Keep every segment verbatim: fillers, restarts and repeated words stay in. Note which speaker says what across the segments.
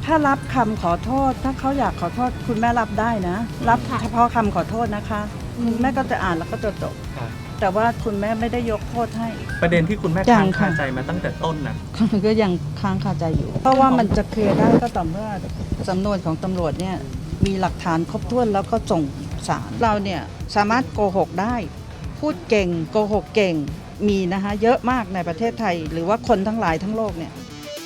Speaker 1: ถ้ารับคำขอโทษถ้าเขาอยากขอโทษคุณแม่รับได้นะรับเฉพาะคำขอโทษนะคะคุณแม่ก็จะอ่านแล้วก็จะจบแต่ว่าคุณแม่ไม่ได้ยกโทษให้
Speaker 2: ประเด็นที่คุณแม่
Speaker 1: ยั
Speaker 2: ค้าง ง
Speaker 1: ค่ะ
Speaker 2: คาใจมาตั้งแต่ต้นนะ
Speaker 1: ก็ยังค้างคาใจอยู่ เพราะว่ามันจะเคลียร์ได้ก็ต่อเมื่อสำนวนของตำรวจเนี่ยมีหลักฐานครบถ้วนแล้วก็ส่งศาลเราเนี่ยสามารถโกหกได้พูดเก่งโกหกเก่งมีนะคะเยอะมากในประเทศไทยหรือว่าคนทั้งหลายทั้งโลกเนี่ย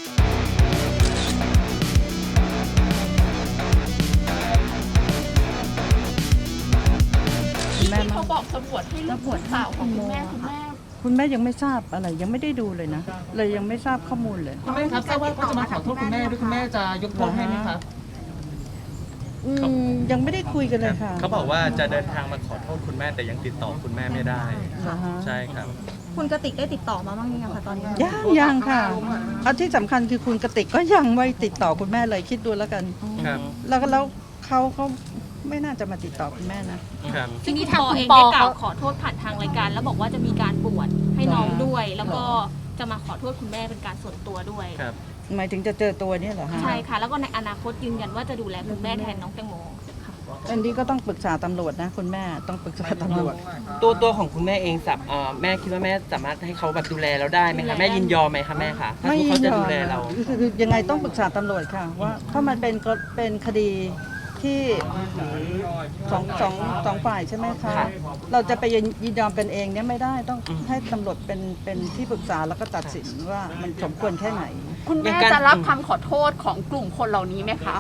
Speaker 3: ที่เขาบอกตำรวจให้เลือกบุตรสาวของคุณแม่คุณแม่
Speaker 1: คุณแม่ยังไม่ทราบอะไรยังไม่ได้ดูเลยนะเลยยังไม่ทราบข้อมูลเลย
Speaker 4: คุณแม่ครับทราบว่าเขาจะมาขอโทษคุณแม่ด้วยคุณแม่จะยกโทษให้ไหมครับ
Speaker 1: อืมยังไม่ได้คุยกันเลยค่ะ
Speaker 2: เขาบอกว่าจะเดินทางมาขอโทษคุณแม่แต่ยังติดต่อคุณแม่ไม่ได้
Speaker 1: เหรอฮะ
Speaker 2: ใช่ครับ
Speaker 3: คุณกติกได้ติดต่อมาบ้างยังคะตอนนี้
Speaker 1: ยังยังค่ะอันที่สำคัญคือคุณกติกก็ยังไม่ติดต่อคุณแม่เลยคิดดูแล้วกัน
Speaker 2: ครับ
Speaker 1: แล้วก็แล้วเขาเขาไม่น่าจะมาติดต่อคุณแม่นะ
Speaker 2: ครับ
Speaker 5: ทีนี้ทางคุณปอได้กล่าวขอโทษผ่านทางรายการแล้วบอกว่าจะมีการบวชให้น้องด้วย แล้วก็จะมาขอโทษคุณแม่เป็นการส่วนตัวด้วย
Speaker 2: ครับ
Speaker 1: หมายถึงจะเจอตัวเนี่ยเหรอฮะ
Speaker 5: ใช่ค่ะ แล้วก็ในอนาคตยืนยันว่าจะดูแลคุณแม่แทนน้องแตงโมค่ะ
Speaker 1: อันนี้ก็ต้องปรึกษาตำรวจนะคุณแม่ต้องปรึกษาตำรวจ
Speaker 4: ตัวตัวของคุณแม่เองสับเอ่อแม่คิดว่าแม่สามารถให้เขาแบบดูแลเราได้ไหมคะแม่ยินยอมไหมคะแม่คะถ้า
Speaker 1: ไม่
Speaker 4: เขาจะ
Speaker 1: ยอ
Speaker 4: ดู
Speaker 1: ม
Speaker 4: แลเรา
Speaker 1: คือคือยังไงต้องปรึกษาตำรวจค่ะว่าเพราะมันเป็นก็เป็นคดีที่สองสองสองฝ่ายใช่ไหมคะ
Speaker 4: ค่ะ
Speaker 1: เราจะไปยินยอมกันเองเนี่ยไม่ได้ต้อง
Speaker 4: อืม
Speaker 1: ให้ตำรวจเป็นเป็นที่ปรึกษาแล้วก็ตัดสินว่ามันสมควรแค่ไหน
Speaker 3: คุณแม่จะรับคำขอโทษของกลุ่มคนเหล่านี้ไหมคะ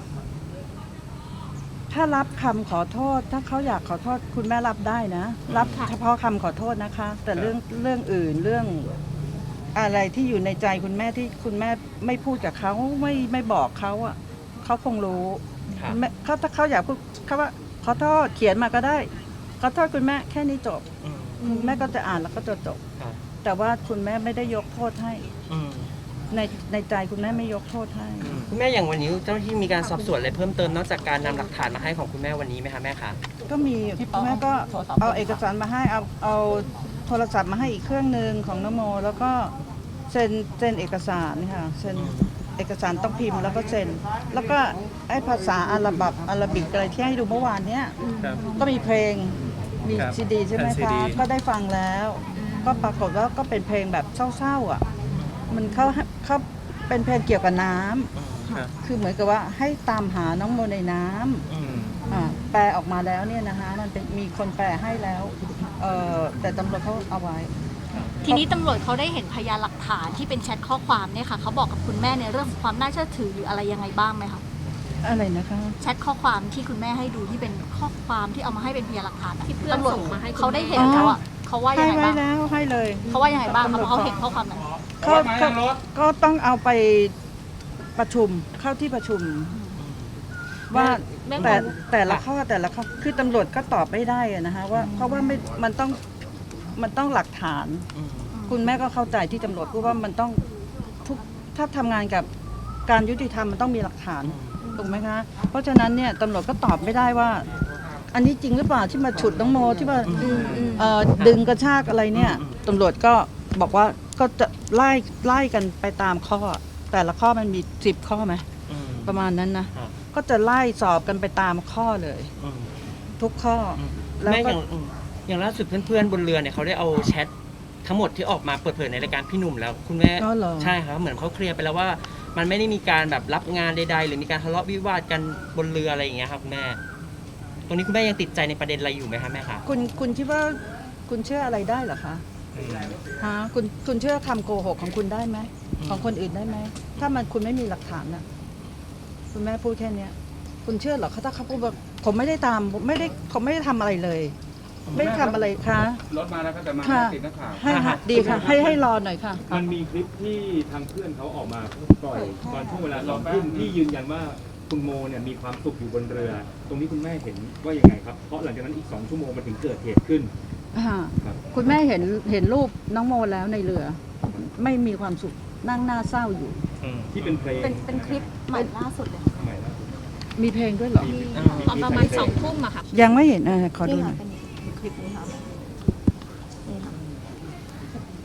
Speaker 1: ถ้ารับคำขอโทษถ้าเขาอยากขอโทษคุณแม่รับได้นะ รับเฉพาะคำขอโทษนะคะ แต่เรื่องเรื่องอื่นเรื่องอะไรที่อยู่ในใจคุณแม่ที่คุณแม่ไม่พูดกับเขาไม่ไม่บอกเขาอ่ะเขาคงรู้
Speaker 4: ครับ
Speaker 1: แม่เขาถ้าเขาอยากพูดเขาว่าขอโทษเขียนมาก็ได้ขอโทษคุณแม่แค่นี้จบ
Speaker 4: อืม
Speaker 1: คุณแม่ก็จะอ่านแล้วก็จะจบ
Speaker 4: ครับ
Speaker 1: แต่ว่าคุณแม่ไม่ได้ยกโทษให้
Speaker 4: อืม
Speaker 1: ในในใจคุณแม่ไม่ยกโทษให้
Speaker 4: คุณแม่อย่างวันนี้เจ้าหน้าที่มีการสอบสวนอะไรเพิ่มเติมนอกจากการนำหลักฐานมาให้ของคุณแม่วันนี้ไหมคะแม่คะ
Speaker 1: ก็มีคุณแม่ก็เอาเอกสารมาให้เอาเอาโทรศัพท์มาให้อีกเครื่องหนึ่งของนโม แล้วก็เซ็นเซ็นเอกสารค่ะเซ็นเอกสารต้องพิมพ์แล้วก็เซ็นแล้วก็ไอ้ภาษาอาหรับอาหรับิกอะไรที่ให้ดูเมื่อวานเนี้ย
Speaker 2: ครับ
Speaker 1: ก็มีเพลงมี
Speaker 2: ครับ
Speaker 1: ซีดีใช่ไหม
Speaker 2: แผ่นซี
Speaker 1: คะ
Speaker 2: ดี
Speaker 1: ก็ได้ฟังแล้ว ก็ปรากฏว่าก็เป็นเพลงแบบเศร้าๆอ่ะมันเขาเขาเป็นเพลงเกี่ยวกับน้ำ
Speaker 2: ครับ
Speaker 1: คือเหมือนกับว่าให้ตามหาน้องโมในน้ำ
Speaker 4: อืม
Speaker 1: อ่าแปลออกมาแล้วเนี่ยนะคะมันเป็นมีคนแปลให้แล้วเอ่อแต่ตำรวจเขาเอาไว้
Speaker 5: ทีนี้ตำรวจเขาได้เห็นพยานหลักฐานที่เป็นแชทข้อความเนี่ยค่ะเขาบอกกับคุณแม่ในเรื่องของความน่าเชื่อถือหรืออะไรยังไงบ้างไหมคะ
Speaker 1: อะไรนะคะ
Speaker 5: แชทข้อความที่คุณแม่ให้ดูที่เป็นข้อความที่เอามาให้เป็นพยานหลักฐานที่เพื่อน
Speaker 3: ตำรวจ
Speaker 5: ส่ง
Speaker 3: มาให้คุณแม่
Speaker 5: เขาได้เห็นแล้วอ่ะเขาว่ายั
Speaker 1: ให้
Speaker 5: งไง
Speaker 1: ไว้
Speaker 5: บ้าง
Speaker 1: แล้วให้เลย
Speaker 5: เขาว่ายังไงบ้างคะเพราะเขาเห็นข้อความนั้น
Speaker 1: เขาเขาก็ต้องเอาไปประชุมเข้าที่ประชุม ว่า
Speaker 5: แม่
Speaker 1: แต่แต่ละข้อแต่ละข้อคือตำรวจก็ตอบไม่ได้อะนะคะว่าเพราะว่าไม่มันต้องมันต้องหลักฐาน
Speaker 4: อืม
Speaker 1: คุณแม่ก็เข้าใจที่ตำรวจพูดว่ามันต้องทุกถ้าทำงานกับการยุติธรรมมันต้องมีหลักฐานถูกไหมคะ เพราะฉะนั้นเนี่ยตำรวจก็ตอบไม่ได้ว่า อันนี้จริงหรือเปล่าที่มาฉุดน้องโมที่ว่าเอ่อดึงกระชากอะไรเนี่ยตำรวจก็บอกว่าก็จะไล่ไล่กันไปตามข้อ แต่ละข้อมันมีสิบข้อไหม
Speaker 4: อืม
Speaker 1: ประมาณนั้นนะครับ ก็จะไล่สอบกันไปตามข้อเลย
Speaker 4: อืม
Speaker 1: ทุกข้ออแล้ว
Speaker 4: แม่อ
Speaker 1: ก็
Speaker 4: ย่างอืมอย่างล่าสุดเพื่อนๆบนเรือเนี่ยเขาได้เอาแชททั้งหมดที่ออกมาเปิดเผยในรายการพี่หนุ่มแล้วคุณแม่
Speaker 1: ก็เหรอ
Speaker 4: ใช่ครับเหมือนเขาเคลียร์ไปแล้วว่า มันไม่ได้มีการแบบรับงานใดๆ หรือมีการทะเลาะวิวาทกันบนเรืออะไรอย่างเงี้ยครับคุณแม่ ตรงนี้คุณแม่ยังติดใจในประเด็นอะไรอยู่ไหมคะแม่คะ
Speaker 1: คุณคุณคิดว่าคุณเชื่ออะไรได้เหรอคะฮะคุณคุณเชื่อคำโกหกของคุณได้ไหมของคนอื่นได้ไหมถ้ามันคุณไม่มีหลักฐานน่ะคุณแม่พูดแค่เนี้ย คุณเชื่อเหรอเขาถ้าเขาพูดว่าผมไม่ได้ตามผมไม่ได้ผมไม่ได้ทำอะไรเลย ไม่ได้ทำอะไรคะ
Speaker 6: รถมาแล้วก็จะมา
Speaker 1: ค่ะ
Speaker 6: ติดนักข่าว
Speaker 1: ให้ค่ะดีค่ะ ให้ให้รอหน่อยค่ะ
Speaker 6: มันมีคลิปที่ทางเพื่อนเขาออกมาปล่อยตอนช่วงเวลาสองทุ่มที่ยืนยันว่าคุณโมเนี่ยมีความสุขอยู่บนเรือ ตรงนี้คุณแม่เห็นว่ายังไงครับ เพราะหลังจากนั้นอีกสองชั่วโมงมันถึงเกิดเหตุขึ้น
Speaker 1: อ่า
Speaker 6: ครับ
Speaker 1: คุณแม่เห็นเห็นรูปน้องโมแล้วในเรือ ไม่มีความสุขนั่งหน้าเศร้าอยู่
Speaker 6: ที่เป็นเพลง
Speaker 5: เป็นเป็นคลิปใหม่ล่าสุดเลย
Speaker 6: ใหม่ล่าสุด
Speaker 1: มีเพลงด้วยเหรอ
Speaker 5: ตอนประมาณสองทุ่มอะค่ะ
Speaker 1: ยังไม่เห็นอ่ะขอดูหน่อย
Speaker 3: คลิปนี้ค่ะนี่ค่ะ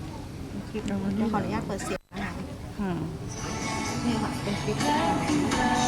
Speaker 3: คลิปเดี๋ยวขออนุญาตเปิดเสียงนะคะ
Speaker 1: อ่า
Speaker 3: นี่ค่ะเป็นคลิป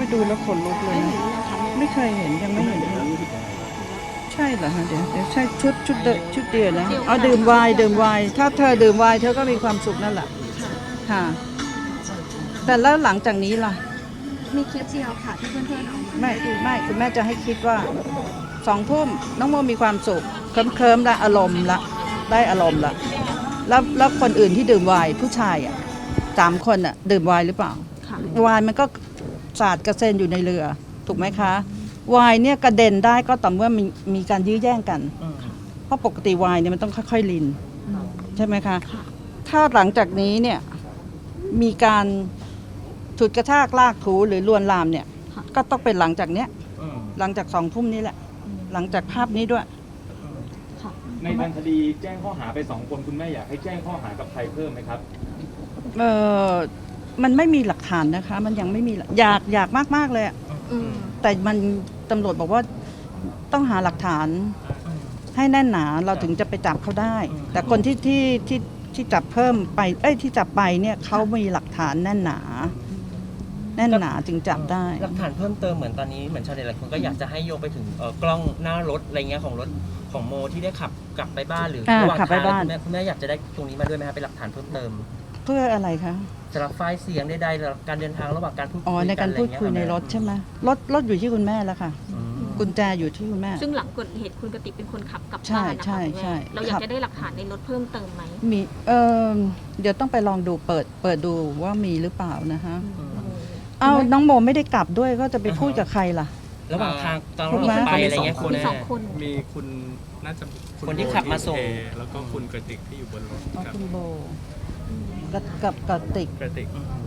Speaker 1: ดูแล้วขนลุกเลยนะไม่เคยเห็นยังไม่เห็นเลยใช่เหรอฮะเดี๋ยวเดี๋ยวใช่ชุดชุดเดชุดเดียวนะเอาดื่มไวน์ดื่มไวน์ถ้าเธอดื่มไวน์เธอก็มีความสุขนั่นแหละค่ะแต่แล้วหลังจากนี้ล่ะ
Speaker 5: มีคลิปเดียวค่ะที่เพื่อนๆเอามา
Speaker 1: ไม่ไม่คุณแม่จะให้คิดว่าสองทุ่มน้องโมมีความสุขเคลิ้มเคลิ้มๆละอารมณ์ละได้อารมณ์ละแล้วแล้วคนอื่นที่ดื่มไวน์ผู้ชายอ่ะสามคนอ่ะดื่มไวน์หรือเปล่า
Speaker 5: ค่ะ
Speaker 1: ไวน์มันก็สาดกระเซ็นอยู่ในเรือถูกไหมคะไวน์เนี่ยกระเด็นได้ก็ต่อเมื่อมีมีการยื้อแย่งกัน
Speaker 4: อืม
Speaker 1: เพราะปกติไวน์เนี่ยมันต้องค่อยๆลินใช่ไหมคะถ้าหลังจากนี้เนี่ยมีการฉุดกระชากลากถูหรือลวนลามเนี่ยก็ต้องเป็นหลังจากเนี้ย
Speaker 4: อืม
Speaker 1: หลังจากสองทุ่มนี้แหละ หลังจากภาพนี้ด้วย
Speaker 6: ในทางคดีแจ้งข้อหาไปสองคนคุณแม่อยากให้แจ้งข้อหากับใครเพิ่มไหมครับ
Speaker 1: เออมันไม่มีหลักฐานนะคะ มันยังไม่มีหลักอยากอยากมากๆเลยอะ
Speaker 5: อืม
Speaker 1: แต่มันตำรวจบอกว่าต้องหาหลักฐานให้แน่นหนาเราถึงจะไปจับเขาได้ แต่คนที่ที่ที่ที่จับเพิ่มไป เอ้ยที่จับไปเนี่ยเขามีหลักฐานแน่นหนา แน่นหนาจึงจับได้
Speaker 4: หลักฐานเพิ่มเติมเหมือนตอนนี้เหมือนชาวเน็ตหลายคนก็อยากจะให้โยงไปถึงเอ่อกล้องหน้ารถอะไรเงี้ยของรถของโมที่ได้ขับกลับไปบ้านหรือ
Speaker 1: อ่า
Speaker 4: ระหว่าง
Speaker 1: ขับไป
Speaker 4: ทาง
Speaker 1: บ้าน
Speaker 4: คุณแม่คุณแม่อยากจะได้ตรงนี้มาด้วยไหมครับเป็นหลักฐานเพิ่มเติม
Speaker 1: เพื่ออะไรคะ
Speaker 4: สำหรับไฟล์เสียงใดๆหรือการเดินทางระหว่างการพูดคุย
Speaker 1: อ๋อในการพูดคุยในรถใช่ไหมรถรถอยู่ที่คุณแม่แล้วค่ะ
Speaker 4: อืม
Speaker 1: กุญแจอยู่ที่คุณแม่
Speaker 5: ซึ่งหลังเกิดเหตุคุณกติกเป็นคนขับกลับ
Speaker 1: ใช่
Speaker 5: บ้านนะคะ
Speaker 1: ใช่
Speaker 5: คุณแม่
Speaker 1: ใช่
Speaker 5: เราอยา
Speaker 1: ขั
Speaker 5: ก
Speaker 1: บ
Speaker 5: จะได้หลักฐานในรถเพิ่มเติมไหม
Speaker 1: มีเออเดี๋ยวต้องไปลองดูเปิดเปิดดูว่ามีหรือเปล่านะคะ
Speaker 4: อืม
Speaker 1: เอาน้องโมไม่ได้กลับด้วยก็จะไปพูดกับใครล่ะ
Speaker 4: ระหว่างทางตอน
Speaker 1: ถู
Speaker 4: ระ
Speaker 1: ก
Speaker 4: ห
Speaker 1: ไหม
Speaker 4: ว่างไปอะไรเงี้ยคุณ
Speaker 5: มี
Speaker 4: แม่
Speaker 5: สองคน
Speaker 2: มีคุณน่าจะณ
Speaker 4: คนที่ขับมาส่ง
Speaker 2: โบที่เทแล้วก็คุณกระติกที่อยู่บนรถ
Speaker 1: เอา
Speaker 2: ครับ
Speaker 1: คุณโบกับกับกับติก
Speaker 2: กระติก
Speaker 4: อืม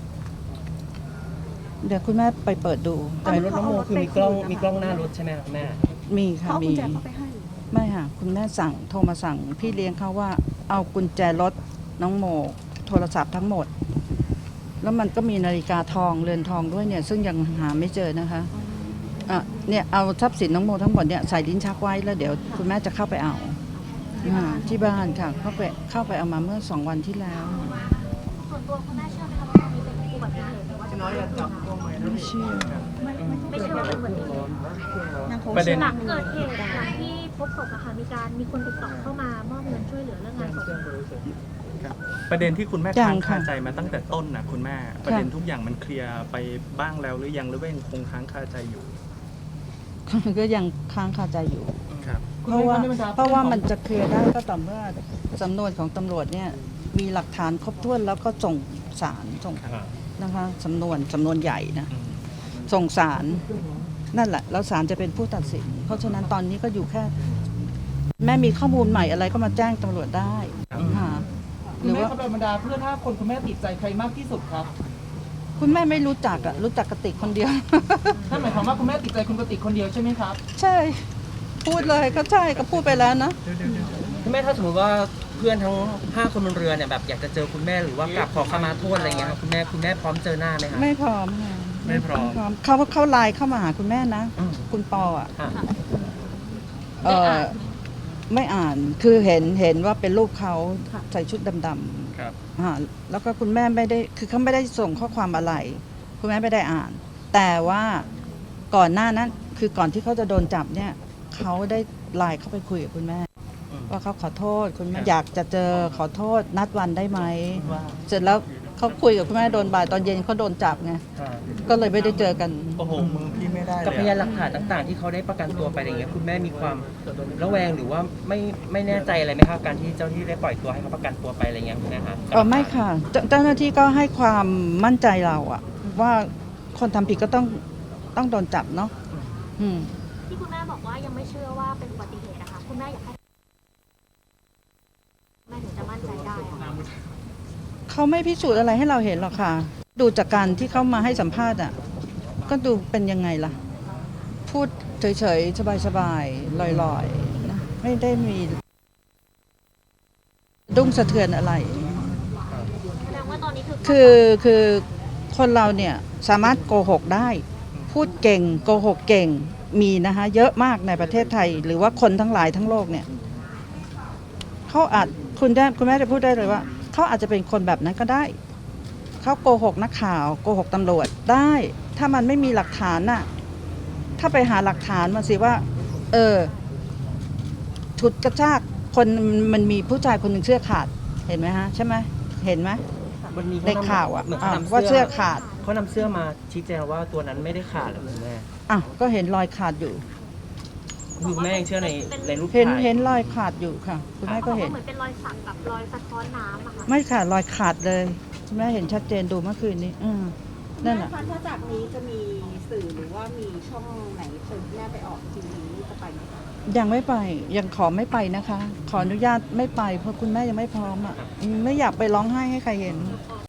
Speaker 1: เดี๋ยวคุณแม่ไปเปิดดู
Speaker 4: แต่ในรถน้องโมคือมีกล้องมีกล้องหน้ารถใช่ไหมครับแม่
Speaker 1: มีค่ะมีไม่ค่ะคุณแม่สั่งโทรมาสั่งพี่เลี้ยงเขาว่าเอากุญแจรถน้องโมโทรศัพท์ทั้งหมด แล้วมันก็มีนาฬิกาทองเรือนทองด้วยเนี่ย ซึ่งยังหาไม่เจอนะคะอ่ะเนี่ยเอาทรัพย์สินน้องโมทั้งหมดเนี่ยใส่ลิ้นชักไว้แล้วเดี๋ยวคุณแม่จะเข้าไปเอาอ่าที่บ้านค่ะเข้าไปเข้าไปเอามาเมื่อสองวันที่แล้ว
Speaker 7: ส่วนตัวคุณแม่เชื่อไหมคะว่าตรงนี้เป็นอุบัติเหตุหรือว่าจะเป็น
Speaker 1: ไม่เชื่อ
Speaker 7: ไม่เชื่อว่าเป็นอุบัติเหตุ
Speaker 2: ประเด็น
Speaker 7: หลังเกิดเหตุหลังที่พบศพอะค่ะมีการมีคนติดต่อเข้ามามอบเงินช่วยเหลือเรื่องงานศพ
Speaker 2: ประเด็นที่คุณแม่
Speaker 1: ยั
Speaker 2: ค้าง ง
Speaker 1: ค่ะ
Speaker 2: คาใจมาตั้งแต่ต้นนะคุณแม่ ประเด็นทุกอย่างมันเคลียร์ไปบ้างแล้วหรือยังหรือว่ายังคงค้างคาใจอยู่
Speaker 1: ก็ยังค้างคาใจอยู่
Speaker 2: ครับ
Speaker 1: เพราะว่าเพราะว่ามันจะเคลียร์ได้ก็ต่อเมื่อสำนวนของตำรวจเนี่ยมีหลักฐานครบถ้วนแล้วก็ส่งศาลส่งนะคะสำนวนสำนวนใหญ่นะ
Speaker 2: อืม
Speaker 1: ส่งศาลนั่นแหละแล้วศาลจะเป็นผู้ตัดสิน เพราะฉะนั้นตอนนี้ก็อยู่แค่ แม่มีข้อมูลใหม่อะไรก็มาแจ้งตำรวจได้ค่ะห
Speaker 8: คุ
Speaker 1: รื
Speaker 8: ณ
Speaker 1: อ
Speaker 8: แม่
Speaker 1: ว่า
Speaker 8: ครับบรรดาเพื่อนห้าคนคุณแม่ติดใจใครมากที่สุดครับ
Speaker 1: คุณแม่ไม่รู้จักอะรู้จักกระติกคนเดียว
Speaker 8: นั่นหมายความว่าคุณแม่ติดใจคุณกติกคนเดียวใช่ไหมครับ
Speaker 1: ใช่ พูดเลยก็ใช่ก็พูดไปแล้วนะ
Speaker 4: คุณแม่ถ้าสมมติว่าเพื่อนทั้งห้าคนบนเรือเนี่ยแบบอยากจะเจอคุณแม่หรือว่ากราบขอขมาโทษอะไรเงี้ยครับคุณแม่คุณแม่พร้อมเจอหน้าไหมครับ
Speaker 1: ไม่พร้อมค่ะ
Speaker 2: ไม่พร้อม
Speaker 1: เขาเขาไลน์เข้ามาหาคุณแม่นะ
Speaker 4: อืม
Speaker 1: คุณปออ่ะ
Speaker 4: อ่ะ
Speaker 1: เออไม่อ่านคือเห็นเห็นว่าเป็นรูปเขาใส่ชุดดำ
Speaker 2: ครับ
Speaker 1: ๆอ่าแล้วก็คุณแม่ไม่ได้คือเขาไม่ได้ส่งข้อความอะไร คุณแม่ไม่ได้อ่าน แต่ว่าก่อนหน้านั้นคือก่อนที่เขาจะโดนจับเนี่ยเขาได้ไลน์เข้าไปคุยกับคุณแม่
Speaker 4: อืม
Speaker 1: ว่าเขาขอโทษคุณแม่
Speaker 2: ครับ
Speaker 1: อยากจะเจอขอโทษนัดวันได้ไหม
Speaker 4: ว่า
Speaker 1: เสร็จแล้วเขาคุยกับคุณแม่โดนบ่ายตอนเย็นเขาโดนจับไง
Speaker 4: อ่า
Speaker 1: ก็เลยไม่ได้เจอกัน
Speaker 2: โอ้โหมือพี่ไม่ได้
Speaker 4: กับ
Speaker 2: เล
Speaker 4: พ
Speaker 2: ย
Speaker 4: ยาน
Speaker 2: อะ
Speaker 4: หลักฐานต่างๆ ที่เขาได้ประกันตัวไปอะไรเงี้ยคุณแม่มีความระแวงหรือว่าไม่ไม่แน่ใจอะไรไหมครับการที่เจ้าที่ได้ปล่อยตัวให้เขาประกันตัวไปอะไรเงี้ยคุณแม่ครับ
Speaker 1: เออไม่ค่ะเจ้าเจ้าหน้าที่ก็ให้ความมั่นใจเราอะว่าคนทำผิดก็ต้องต้องโดนจับเนาะอืม
Speaker 7: ที่คุณแม่บอกว่ายังไม่เชื่อว่าเป็นอุบัติเหตุนะคะคุณแม่อยากให้แม่ถึงจะมั่นใจได้อะค่ะ
Speaker 1: เขาไม่พิสูจน์อะไรให้เราเห็นหรอกค่ะ ดูจากการที่เขามาให้สัมภาษณ์อะก็ดูเป็นยังไงล่ะ พูดเฉยๆ สบายๆ ลอยๆนะไม่ได้มีดุ้งสะเทือนอะไร
Speaker 7: แสดงว่าตอนนี้คือ
Speaker 1: คือคือคนเราเนี่ยสามารถโกหกได้ พูดเก่งโกหกเก่งมีนะคะเยอะมากในประเทศไทย หรือว่าคนทั้งหลายทั้งโลกเนี่ยเขาอาจคุณได้คุณแม่จะพูดได้เลยว่าเขาอาจจะเป็นคนแบบนั้นก็ได้เขาโกหกนักข่าวโกหกตำรวจได้ถ้ามันไม่มีหลักฐานน่ะ ถ้าไปหาหลักฐานมาสิว่า เออฉุดกระชากคนมันมีผู้ชายคนหนึ่งเสื้อขาดเห็นไหมฮะใช่ไหมเห็นไหม
Speaker 4: วันนี้
Speaker 1: ในข่าวอ่ะ
Speaker 4: เหมือน
Speaker 1: อ่ะ
Speaker 4: เขานำ
Speaker 1: ว่า
Speaker 4: เสื้
Speaker 1: เสื้
Speaker 4: อ
Speaker 1: อขาด
Speaker 4: เขานำเสื้อมาชี้แจงว่าตัวนั้นไม่ได้ขาดหรอกคุณแม่
Speaker 1: อ่ะก็เห็นรอยขาดอยู่
Speaker 4: คุณแม่ยังเชื่อในในรูป
Speaker 1: เห็น
Speaker 4: ถ่าย
Speaker 1: เห็นรอยขาดอยู่ค่ะ คุณแม่ก็เห็น
Speaker 7: เหมือนเป็นรอยสักกับรอยสะท้อนน้ำอะค่ะ
Speaker 1: ไม่ค่ะรอยขาดเลยคุณแม่เห็นชัดเจนดูเมื่อคืนนี้ อืมนั่นแหละ
Speaker 9: ถ้าจากนี้จะมีสื่อหรือว่ามีช่องไหนเชิญแม่ไปออกทีวีจะไปไหมคะ
Speaker 1: ยังไม่ไปยังขอไม่ไปนะคะ ขออนุญาตไม่ไปเพราะคุณแม่ยังไม่พร้อมอ่ะอืมไม่อยากไปร้องไห้ให้ใครเห็น
Speaker 7: อ๋อ